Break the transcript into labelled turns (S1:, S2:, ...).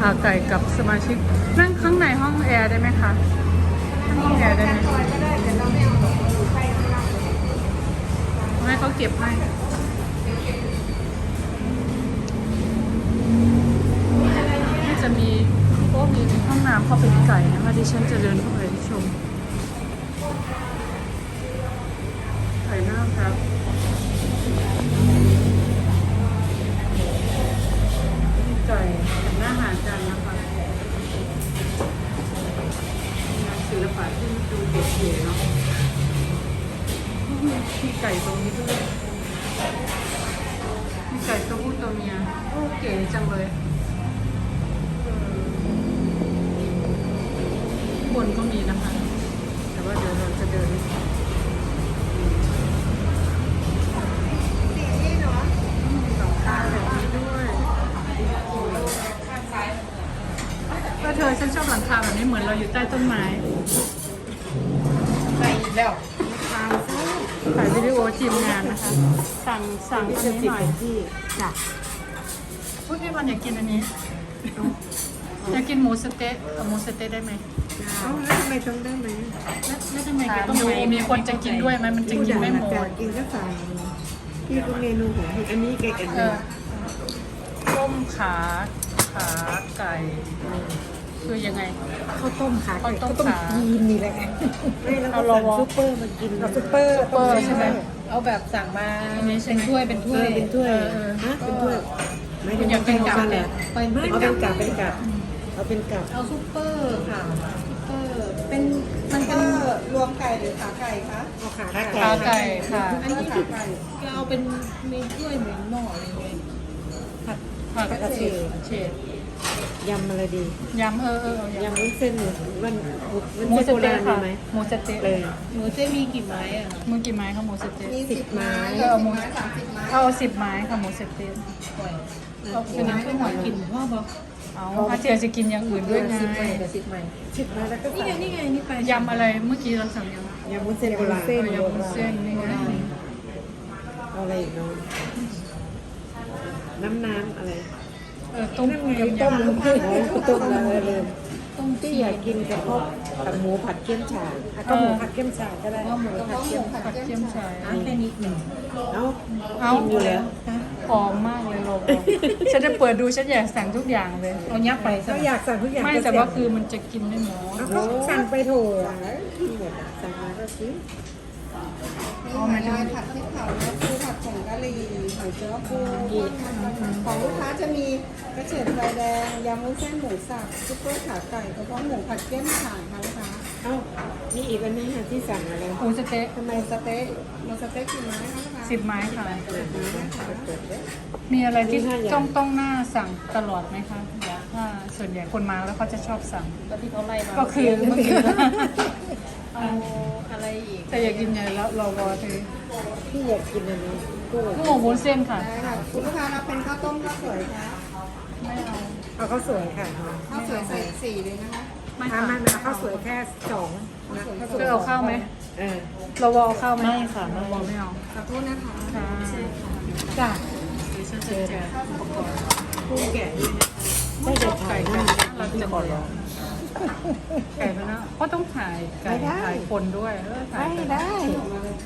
S1: ขาไก่กับสมาชิกนั่งข้างในห้องแอร์ได้ไหมคะนั่งห้องแอร์ได้ไหมให้เขาเก็บให้จะมีห้องน้ำเข้าไปในไก่นะคะดิฉันจะเดินเข้าไปชมไก่หน้าครับไก่กับหน้าหาจานนะคะงานศิลปะที่ดูเก๋ๆเนาะมีไก่ตรงนี้ด้วยมีไก่ตัวผู้ตัวเมียโอ้เก๋จังเลยบนก็มีนะคะแต่ว่าเดี๋ยวเราจะเดินหลังคาแบบนี้ด้วยก็เธอฉันชอบหลังคาแบบนี้เหมือนเราอยู่ใต้ต้นไม้ไปอีกแล้วถ่ายวิดีโอทีมงานนะคะสั่งอันนี้หน่อยที่จ้ะพูดพี่วันอยากกินอันนี้อยากกินหมูสเต๊ะเอาหมูสเต๊ะได้ไหม
S2: แล้วทำไมต้องได้ไหม
S1: แล้วทำไมแกต้องมีคนจะกินด้วยไหมมันจะกินไม่หมด
S2: กินก็สั่งพี่ก็เมนูของพี่อันนี้แกกัน
S1: ต้มขาไก่คือยังไง
S2: ข้าวต้มขา
S1: ข้าวต้ม
S2: ยีนนี่แหละไม่แล้วก็สั่งซุปเปอร์มากินซุปเปอร์
S1: ใช่ไหม
S3: เอาแบบสั่งมาเป็นถ้วยเป็นถ้วย
S2: ฮะเป็นถ้วยไม่ได้
S1: อยากเป็นกับ
S2: เลยเอาเป็นกับเอาเป็นกับ
S3: เอาซุปเปอร์ค่ะซุปเปอร์มันเป็นรวมไก่หรือขาไก่คะ
S2: เอาขา
S1: ไก่ค่ะ
S3: อันนี้ขาไก่ก็เอาเป็นมีถ้วยเหมือนหม้ออะไรเงี้ย
S1: ผัดกระเฉด
S2: ยำอะไรดี
S1: ยำ
S2: ยำวุ้นเส้นมัน
S1: หมูสเต๊ะค่ะหมูสเต๊ะ
S2: เลย
S3: หมูสเต๊ะมีกี่ไม้อ่ะ
S1: มีกี่ไม้คะหมูสเต๊ะ
S2: 10 ไม้
S1: เอา10 ไม้ค่ะหมูสเต๊ะ
S3: เอาเป็นน้ำข้าวหอยกินพ่อบอก
S1: เอาอาเจียจะกินอย่างอื่นด้วยไง
S3: 10 ไม้
S2: แล้วก็
S3: นี่ไงนี่ไป
S1: ยำอะไรเมื่อกี้เราสั่ง
S2: ยำวุ้นเส้นโบราณ
S1: ยำวุ้นเส้นนี่ไง
S2: เอาอะไรอีกเนาะน้ำอะไร
S1: ต้ม
S2: ต้มเลยที่อยากกินกับพวกหมูผัดเกี๊ยมฉ่ายก็หมูผัดเกี๊ยมฉ่ายก็ได้
S3: หมูผัดเกี๊ยมฉ่ายแค่นิดหนึ่ง
S2: เอากินอยู่แล้ว
S1: หอมมากเลยโลกฉันจะเปิดดูฉันอยากสั่งทุกอย่างเลย
S3: เอายับไป
S2: ก็อยากสั่งทุกอย่าง
S1: ไม่แต่ว่าคือมันจะกินไม่หมด
S2: สั่งไปโถสั่งมาก็ซื้อ
S3: ผัดพริกเผาแล้วปูผัดผงกะหรี่หอยเจ้าปูของลูกค้าจะมีกระเฉดไฟแดงยำวุ้นเส้นหมูสับซุปเปอร์ขาไก่กระเพาะหมูผัดเกี๊ยมฉ่ายค่ะลูกค้า
S2: นี่อีกอันนี้ที่สั่งอะไร
S1: หมูสเต๊ะ
S3: ทำไมสเต๊ะหมูสเต๊ะกี่ไม้คะลูกค้า
S1: 10 ไม้ค่ะมีอะไรที่ต้องหน้าสั่งตลอดไหมคะถ้าส่วนใหญ่คนมาแล้วเขาจะชอบสั่ง
S3: ก็ที่เขาไล่มา
S1: ก็คือเมื่อกี้
S3: เอาอะไรอีก
S1: แต่อยากกินใหญ่แล้วรอวอเธอ
S2: พี่อยากกินอันนี้
S1: กุ้งวุ้นเส้นค่ะ
S3: ได้ค่ะคุณลูกค้ารับเป็นข้าวต้มข้าวสวยคะ
S1: ไม่
S2: เอาข้าวสวยค่ะ
S3: ข้าวสวยใส่4เลยนะคะ
S2: ไม่ข้าวสวยแค่2
S1: จะเอาข้าวไหมเราวอข้าวไหม
S3: ไม่ค่ะ
S1: เราวอไม่เอา
S3: ขอโทษนะคะ
S1: จ้ะฉันจะแจกอุปกรณ์
S2: กุ้งแกะไม่ได้ถ่ายนะ
S1: เราจะขอร้องไก่ไปนะก็ต้องถ่ายไก่ถ่ายคนด้วย
S2: ไม่ได้